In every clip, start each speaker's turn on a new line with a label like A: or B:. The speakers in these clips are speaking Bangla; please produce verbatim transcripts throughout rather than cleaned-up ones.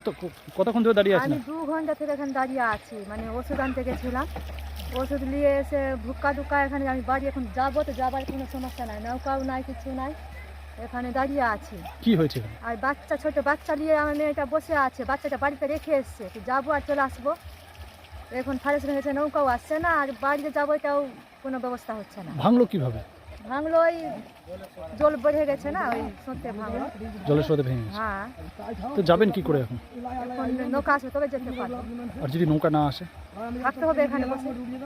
A: তো ক- কতক্ষণ ধরে দাঁড়িয়ে আছেন?
B: আমি দু ঘন্টা থেকে এখানে দাঁড়িয়ে আছি, মানে ওষুধ আনতে গেছিলাম। ওষুধ নিয়ে এসে ভুক্কা টুক্কা এখানে আমি বাড়ি এখন যাবো, তো যাবার কোনো সমস্যা নাই, নৌকাও নাই, কিছু নাই, এখানে দাঁড়িয়ে আছি।
A: কি হয়েছে এখানে?
B: আর বাচ্চা, ছোট বাচ্চা নিয়ে আমার মেয়েটা বসে আছে, বাচ্চাটা বাড়িতে রেখে এসছে, তো যাবো আর চলে আসবো। এখন ফারেস্ট হয়েছে, নৌকাও আসছে না, আর বাড়িতে যাবো এটাও কোনো ব্যবস্থা হচ্ছে না।
A: ভাঙলো কিভাবে?
B: ভাঙলো ওই জল বেড়ে গেছে না, ওই সত্যি ভাঙলো।
A: জলের স্রোতে ভেঙে গেছে।
B: হ্যাঁ,
A: তো যাবেন কি করে এখন?
B: এখন নৌকা আসবে তবে যেতে পারবো,
A: আর যদি নৌকা না আসে?
B: থাকতে হবে এখানে বসে।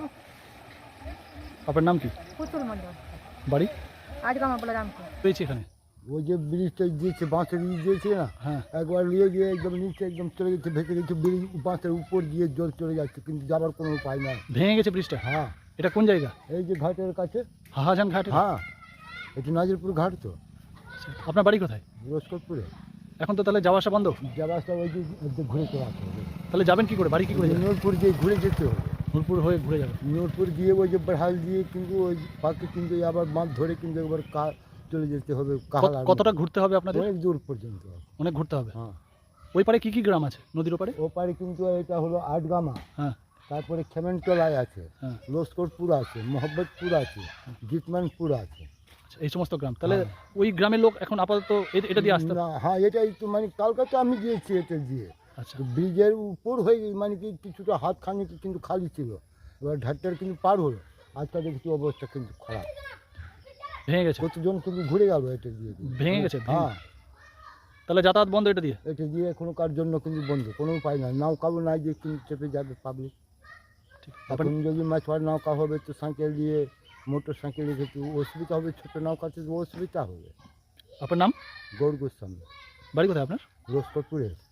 A: আপনার নাম কি?
B: পুতুল মন্ডল,
A: বাড়ি?
B: আজকে আমার বলে রামপুর।
A: পেয়েছি এখানে।
C: ওই যে ব্রিজটা দিয়েছে, বাঁশের ব্রিজ দিয়েছে না,
A: হ্যাঁ।
C: একবার নিয়ে গিয়ে একদম নিচে একদম চলে গেছে, ভেসে গেছে, ব্রিজ বাঁশের উপর দিয়ে জল চলে যাচ্ছে, কিন্তু যাবার কোনো উপায় নাই।
A: ভেঙে গেছে ব্রিজটা?
C: হ্যাঁ,
A: এটা কোন জায়গা?
C: এই যে ঘাটের কাছে।
A: হাহাজান ঘাট?
C: হ্যাঁ, এটা নাজিরপুর ঘাট তো,
A: আপনার বাড়ি কোথায়?
C: রোজকোটপুরে।
A: এখন তো তাহলে যাওয়া আসা বন্ধ?
C: যাবাসটা ওই যে ওই যে ঘুরে চলে আসতে হবে,
A: তাহলে যাবেন কি করে? বাড়ি কি করে যাবেন?
C: নূরপুর দিয়ে ঘুরে যেতে হবে।
A: নুরপুর হয়ে ঘুরে যাবেন?
C: নূরপুর গিয়ে ওই যে বেহাল দিয়ে কিন্তু ওই পাখি কিন্তু আবার মাছ ধরে কিন্তু একবার কা চলে যেতে হবে কাহাল।
A: কত- কতটা ঘুরতে হবে আপনাদের?
C: অনেক দূর পর্যন্ত।
A: অনেক ঘুরতে হবে।
C: হ্যাঁ,
A: ওই পারে কি কি গ্রাম আছে নদীর ওপারে?
C: ও পারে কিন্তু এটা হলো আটগামা,
A: হ্যাঁ
C: তারপরে খেমেনটলায় আছে,
A: হ্যাঁ।
C: লস্করপুর আছে, মোহাম্মদপুর আছে, জিতমানপুর আছে।
A: আচ্ছা, এই সমস্ত গ্রাম। তাহলে
C: হ্যাঁ।
A: ওই গ্রামের লোক এখন আপাতত এ- এটা দিয়ে আসতে?
C: না, হ্যাঁ, এটাই তো মানে কালকে তো আমি গিয়েছি এটা দিয়ে।
A: আচ্ছা।
C: তো ব্রিজের উপর হয়ে মানে কি কিছুটা হাত খানিক কিন্তু খালি ছিল, এবার ঘাটটার কিন্তু পার হলো, আজকে দেখছি অবস্থা কিন্তু খারাপ।
A: ভেঙে গেছে?
C: কতজন কিন্তু ঘুরে গেল এটা দিয়ে।
A: ভেঙে গেছে? ভেঙে-
C: হ্যাঁ,
A: তাহলে যাতায়াত বন্ধ এটা দিয়ে?
C: এটা দিয়ে কোনো কার জন্য কিন্তু বন্ধ, কোনো উপায় নাই, নৌকাও নাই যে কিন্তু চেপে যাবে পাবলিক।
A: ঠিক।
C: এখন
A: আপনার-
C: যদি মাছওয়ার নৌকা হবে তো সাইকেল দিয়ে, মোটর সাইকেল দিয়ে একটু অসুবিধা হবে, ছোটো নৌকাতে তো অসুবিধা হবে।
A: আপনার নাম?
C: গৌর গোস্বামী,
A: বাড়ি কোথায় আপনার?
C: রোজকোটপুরে।